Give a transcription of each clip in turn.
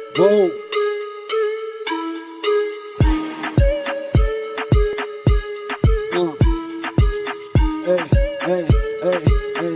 Whoa. Hey, hey, hey, hey.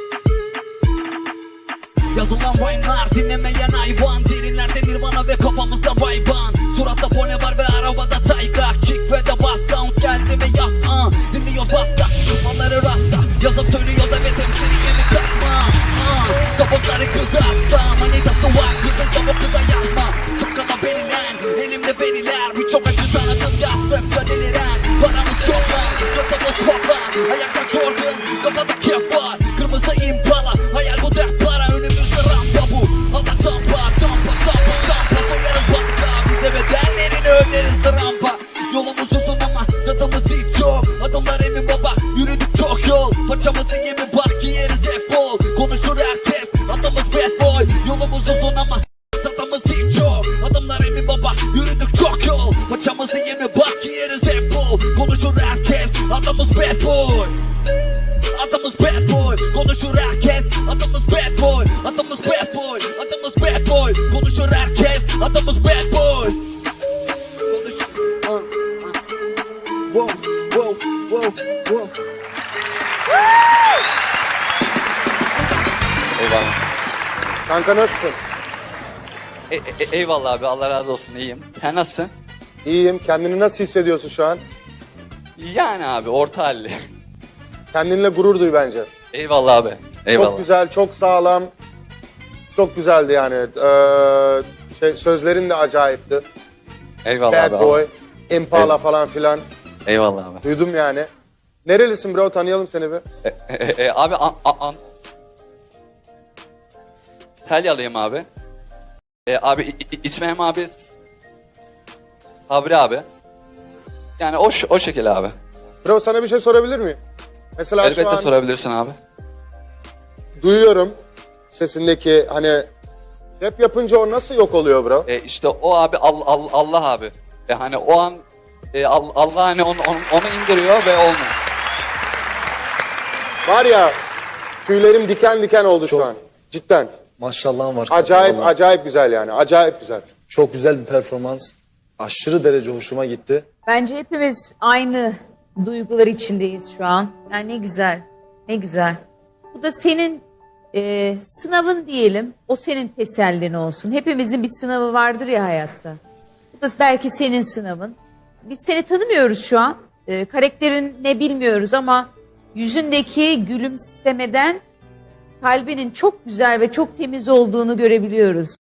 Yazılan rhyme'lar dinlemeyen hayvan. Derinlerde nirvana ve kafamızda vayban. Suratta pone var ve arabada tayga. Kick ve de bass sound geldi ve yaz. Dinliyoruz basta, düşmanları rasta. Yazıp söylüyoruz evet hemşeriye mi kasma. Sabotları kızı hasta. Manitası var kızın çabuk kıza yazma. Sakala benilen elimde veriler. Birçok acı tanıdım yazdıkça deliren. Paramız çok lan, kafamız pop lan. Ayakta Jordan, kafada kef var. Kırmızı impala, hayal bu dert para. Önümüzde rampa bu, hava tampa. Tampa soyarız banka. Bize bedellerini öderiz de rampa. Yolumuz uzun ama gazımız hiç yok. Adımlar emin baba, yürüdük çok yol. Façamızı yemin bak giyeriz hep bol. Konuşur herkes, adımız bad boy. Yolumuz uzun ama tadımız hiç yok. Adımlar emin baba, yürüdük çok yol. Façamızı yemin bak giyeriz hep bol. Konuşur herkes, adımız bad boy. Adımız bad boy, konuşur herkes. Adımız bad boy, adımız bad boy. Adımız bad boy, konuşur herkes. Adımız bad boy. Whoa, whoa, whoa, whoa. Eyvallah. Kanka nasılsın? Eyvallah abi, Allah razı olsun, iyiyim. Sen nasılsın? İyiyim. Kendini nasıl hissediyorsun şu an? Yani abi, orta halli. Kendinle gurur duy bence. Eyvallah abi. Eyvallah. Çok güzel, çok sağlam. Çok güzeldi yani. Sözlerin de acayipti. Eyvallah Bad abi. Boy, Impala Evet. falan filan. Eyvallah abi. Duydum yani. Nerelisin bro? Tanıyalım seni bir. Abi Antalyalıyım abi. Abi İsmail abi Sabri abi. Yani o şekilde abi. Bro sana bir şey sorabilir miyim? Mesela şu Elbette an sorabilirsin abi. duyuyorum sesindeki hani rap yapınca o nasıl yok oluyor bro? İşte o abi Allah abi. Hani o an Allah hani onu indiriyor ve olmuyor. Var ya tüylerim diken diken oldu şu an. Cidden. Maşallahın var. Acayip Vallahi. acayip güzel yani. Acayip güzel. Çok güzel bir performans. Aşırı derece hoşuma gitti. Bence hepimiz aynı duygular içindeyiz şu an. Yani ne güzel, ne güzel. Bu da senin sınavın diyelim. O senin tesellin olsun. Hepimizin bir sınavı vardır ya hayatta. Bu da belki senin sınavın. Biz seni tanımıyoruz şu an. Karakterin ne bilmiyoruz ama yüzündeki gülümsemeden kalbinin çok güzel ve çok temiz olduğunu görebiliyoruz.